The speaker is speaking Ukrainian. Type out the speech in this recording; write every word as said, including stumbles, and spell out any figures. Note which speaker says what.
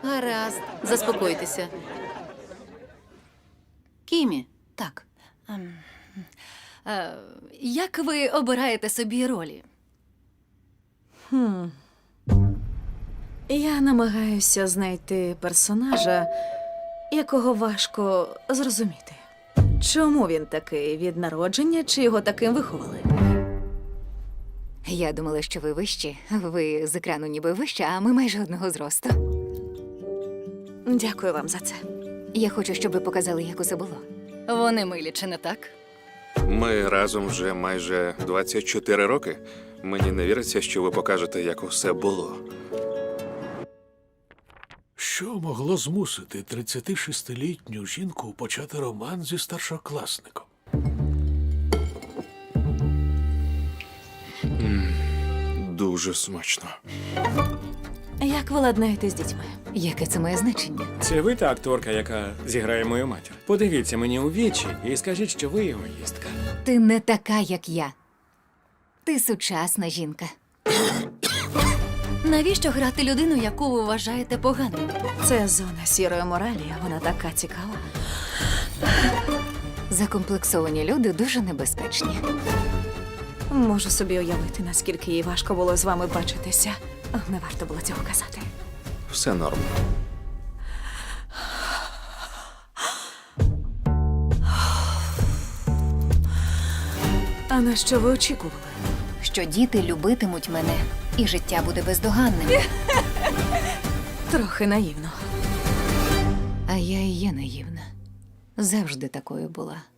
Speaker 1: Гаразд, заспокойтеся. Кімі,
Speaker 2: Так. Е, як ви обираєте собі ролі?
Speaker 3: Хм. Я намагаюся знайти персонажа, якого важко зрозуміти. Чому він такий від народження, чи його таким виховали?
Speaker 4: Я думала, що ви вищі. Ви з екрану ніби вища, а ми майже одного зросту.
Speaker 3: Дякую вам за це.
Speaker 4: Я хочу, щоб ви показали, як усе було.
Speaker 2: Вони милі, чи не так?
Speaker 5: Ми разом вже майже двадцять чотири роки. Мені не віриться, що ви покажете, як усе було.
Speaker 6: Що могло змусити тридцятишестилітню жінку почати роман зі старшокласником?
Speaker 5: Дуже смачно.
Speaker 3: Як ви ладнаєте з дітьми?
Speaker 4: Яке це має значення?
Speaker 7: Це ви та акторка, яка зіграє мою матір? Подивіться мені у вічі і скажіть, що ви егоїстка.
Speaker 4: Ти не така, як я. Ти сучасна жінка.
Speaker 2: Навіщо грати людину, яку ви вважаєте поганою?
Speaker 3: Це зона сірої моралі, а вона така цікава.
Speaker 4: Закомплексовані люди дуже небезпечні.
Speaker 3: Можу собі уявити, наскільки їй важко було з вами бачитися. Не варто було цього казати.
Speaker 5: Все норм.
Speaker 3: А на що ви очікували?
Speaker 4: Що діти любитимуть мене, і життя буде бездоганним.
Speaker 3: Трохи наївно.
Speaker 4: А я і є наївна. Завжди такою була.